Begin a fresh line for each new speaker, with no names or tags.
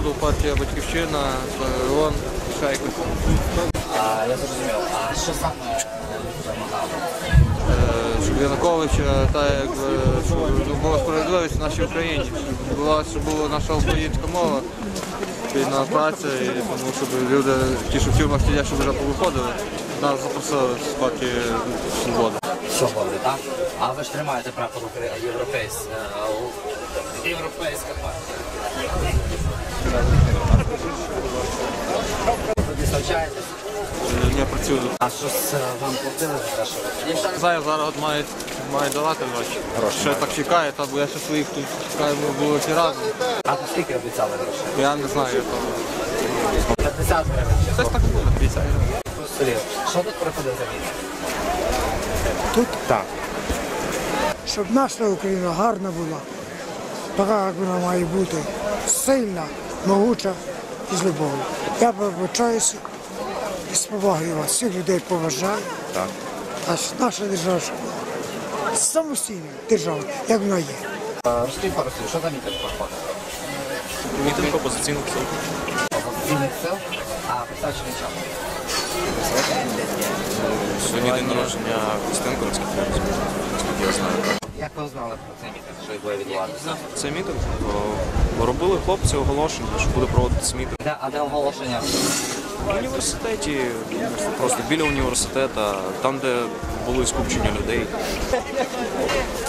«Свободу», партія «Батьківщина», ООН, Шайка.
Я зрозумів. А що саме вимагали?
Щоб Януковича, щоб була справедливість в нашій Україні, щоб була наша українська мова, спільна праця, і тому щоб люди, ті, що в тюрмах сидять, щоб вже повиходили, нас запросили з партії «Свобода».
Свободи, так? А ви ж тримаєте прапор європейська партія. Ви дислочаєтесь?
Я працюю.
А що вам платили за те, що ви?
Я не знаю, зараз мають давати гроші. Ще так чекає, бо я ще своїх тут чекаю, ми були ті разом.
А то скільки обіцяли грошей?
Я не знаю, я там.
50 гривень.
Щось так буде, 50 гривень.
Що тут проходить за місяць?
Тут так. Щоб наша Україна гарна була, така, як вона має бути, сильна, могуча і з любов'ю. Я вибачаюся і з повагою вас, всіх людей поважаю.
Так.
А наша держава щоб була самостійна держава, як вона є.
Розкажіть пару слів, що за мітинг проходить?
Мітинг опозиційних сил.
Опозиційних сил? А присвячений чому?
Сьогодні день народження Костенко, наскільки я знаю.
Як ви знали про цей мітинг, що його відбуватися?
Це мітинг. Робили хлопці оголошення, що буде проводитися мітинг.
А де оголошення?
В університеті, просто біля університету, там, де були скупчення людей.